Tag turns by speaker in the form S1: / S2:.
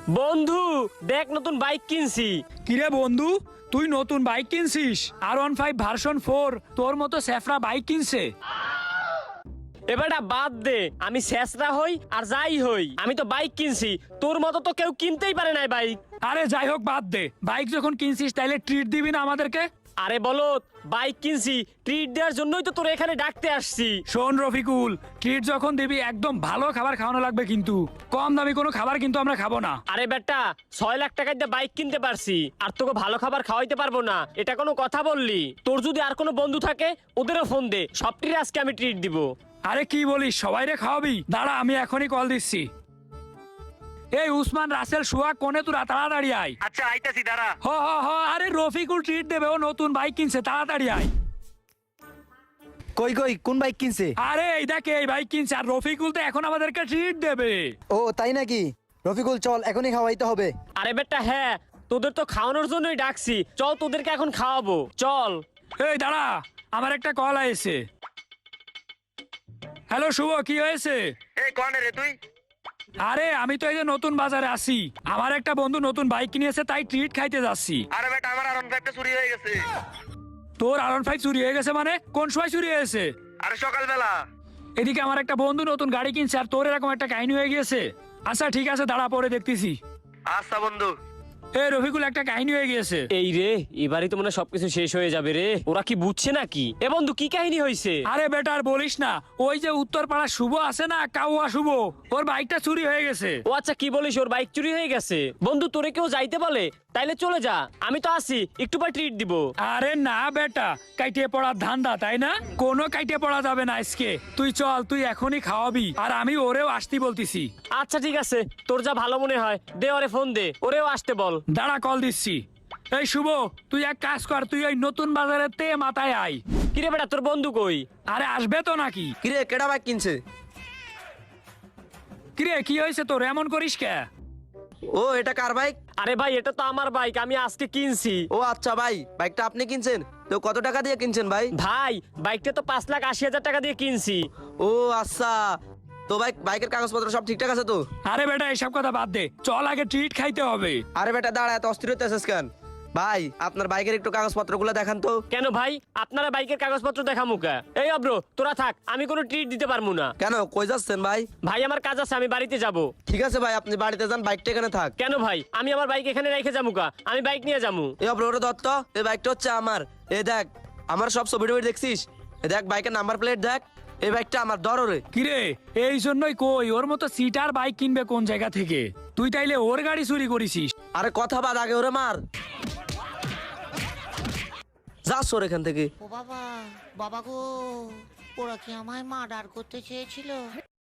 S1: বন্ধু দেখ নতুন বাইক কিনছি।
S2: কিরে বন্ধু, তুই নতুন বাইক কিনছিস? R15 ভার্সন 4 তোর মতো স্যাফরা বাইক কিনছে?
S1: এবারটা বাদ দে, আমি শেষরা হই আর যাই হই, আমি তো বাইক কিনছি, তোর মতো তো কেউ কিনতেই পারে না বাইক।
S2: আরে যাই হোক বাদ দে, বাইক যখন কিনছিস তাইলে ট্রিট দিবি না আমাদেরকে?
S1: আরে বলো, বাইক কিনছি ট্রিট দেওয়ার জন্যই তো তোর এখানে ডাকতে আসছি।
S2: শোন রফিকুল, ট্রিট যখন দিবি একদম ভালো খাবার খাওয়ানো লাগবে, কিন্তু কম দামি কোনো খাবার কিন্তু আমরা খাবো না।
S1: আরে বেটা, 6 লাখ টাকায় দিয়ে বাইক কিনতে পারছি আর তোকে ভালো খাবার খাওয়াইতে পারবো না, এটা কোনো কথা বললি? তোর যদি আর কোনো বন্ধু থাকে ওদেরও ফোন দে, সবটির আজকে আমি ট্রিট দিব।
S2: আরে কি বলিস, সবাই রে খাওয়াবি? দাঁড়া আমি এখনই কল দিচ্ছি। এই উসমান, রাসেল, সুহাগ, কোনে তোরা? তাড়াতাড়ি আয়।
S3: আচ্ছা আইতাছি, দাঁড়া।
S2: হ হ হ, আরে রফিকুল ট্রিট দেবে, ও নতুন বাইক কিনছে, তাড়াতাড়ি আয়।
S4: কই কই কোন বাইক কিনছে?
S2: আরে এই দেখ, এই বাইক কিনছে আর রফিকুল তো এখন আমাদেরকে ট্রিট দেবে।
S4: ও তাই নাকি? রফিকুল চল, এখনই খাওয়াইতে হবে।
S1: আরে বেটা হ্যাঁ, তোদের তো খাওয়ানোর জন্যই ডাকছি, চল তোদেরকে এখন খাওয়াবো, চল।
S2: এই দাঁড়া, আমার একটা কল আইছে। হ্যালো শুভ, কি হয়েছে?
S3: এই কনে রে তুই?
S2: আরে আমি তো এই যে নতুন বাজারে আছি, আমার একটা বন্ধু নতুন বাইক কিনেছে, তাই ট্রিট খাইতে যাচ্ছি।
S3: আরে বেটা, আমার R15 চুরি হয়ে গেছে।
S2: তোর R15 চুরি হয়ে গেছে মানে? কোন সময় চুরি হয়েছে?
S3: আরে সকালবেলা।
S2: এদিকে আমার একটা বন্ধু নতুন গাড়ি কিনছে আর তোর এরকম একটা কাহিনী হয়ে গিয়েছে। আচ্ছা ঠিক আছে, দাঁড়া পরে দেখতেছি।
S3: আচ্ছা বন্ধু।
S2: এই রফিকুল, একটা কাহিনী হয়ে গিয়েছে।
S1: এই রে, এবারই তো মনে হয় সবকিছু শেষ হয়ে যাবে রে, ওরা কি বুঝছে নাকি? এ বন্ধু কি কাহিনী হয়েছে?
S2: আরে বেটা আর বলিস না, ওই যে উত্তরপাড়া শুভ আছে না, কাউয়া শুভ, ওর বাইকটা চুরি হয়ে গেছে।
S1: ও আচ্ছা, কি বলিস, ওর বাইক চুরি হয়ে গেছে? বন্ধু তোরে কেউ যাইতে বলে? তাইলে চলে যা, আমি তো আসি, একটু পর ট্রিট দিব।
S2: আরে না বেটা, কাইটে পড়ার ধান্দা তাই না? কোনো কাইটে পড়া যাবে না আজকে। তুই চল, তুই এখনই খাওয়াবি আর আমি ওরেও আসতে বলতেছি।
S1: আচ্ছা ঠিক আছে, তোর যা ভালো মনে হয়, দে ওরে ফোন দে, ওরেও আসতে বল।
S2: দাঁড়া কল দিচ্ছি। এই শুভ, তুই এক কাজ কর, তুই ওই নতুন বাজারে তে মাথায় আয়।
S1: কিরে বেটা, তোর বন্ধু কই?
S2: আরে আসবে তো নাকি?
S4: কিরে কেডা বাইক কিনছে?
S2: কিরে কি হয়েছে তোর, এমন করিস কে?
S4: ও এটা কার বাইক?
S1: আরে ভাই, এটা তো আমার বাইক, আমি আজকে কিনছি।
S4: ও আচ্ছা ভাই, বাইকটা আপনি কিনছেন? তো কত টাকা দিয়ে কিনছেন ভাই?
S1: ভাই বাইকটা তো 5,80,000 টাকা দিয়ে কিনছি।
S4: ও আচ্ছা, তো বাইকের কাগজপত্র সব ঠিকঠাক আছে তো?
S2: আরে বেটা এসব কথা বাদ দে, চল আগে ট্রিট খাইতে হবে।
S4: আরে বেটা দাঁড়া, এত অস্থির হইতেছিস কেন? ভাই আপনার বাইকের একটু কাগজপত্রগুলো দেখান তো।
S1: কেন ভাই, আপনারা বাইকের কাগজপত্র দেখামু কা? এই অব্র, তোরা থাক, আমি কোনো ট্রিট দিতে পারবো না।
S4: কেন, কই যাচ্ছেন ভাই?
S1: ভাই আমার কাজ আছে, আমি বাড়িতে যাব।
S4: ঠিক আছে ভাই, আপনি বাড়িতে যান, বাইকটা এখানে থাক।
S1: কেন ভাই, আমি আমার বাইক এখানে রেখে যাবো কা? আমি বাইক নিয়ে যাবো।
S4: এই অপর দত্ত, এই বাইকটা হচ্ছে আমার। এই দেখ, আমার সব ছবি টবি দেখছিস? এই দেখ বাইকের নাম্বার প্লেট দেখ, এই বাইকটা আমার, ধর ওরে।
S2: কিরে, এই জন্যই কই, ওর মতো সিটার বাইক কিনবে কোন জায়গা থেকে? তুই তাইলে ওর গাড়ি চুরি করিসিস?
S4: আরে কথা বাদ, আগে ওরে মার। যাস ওর এখান থেকে।
S5: ও বাবা, বাবা গো, ওরা কি আমায় মার্ডার করতে চেয়েছিল?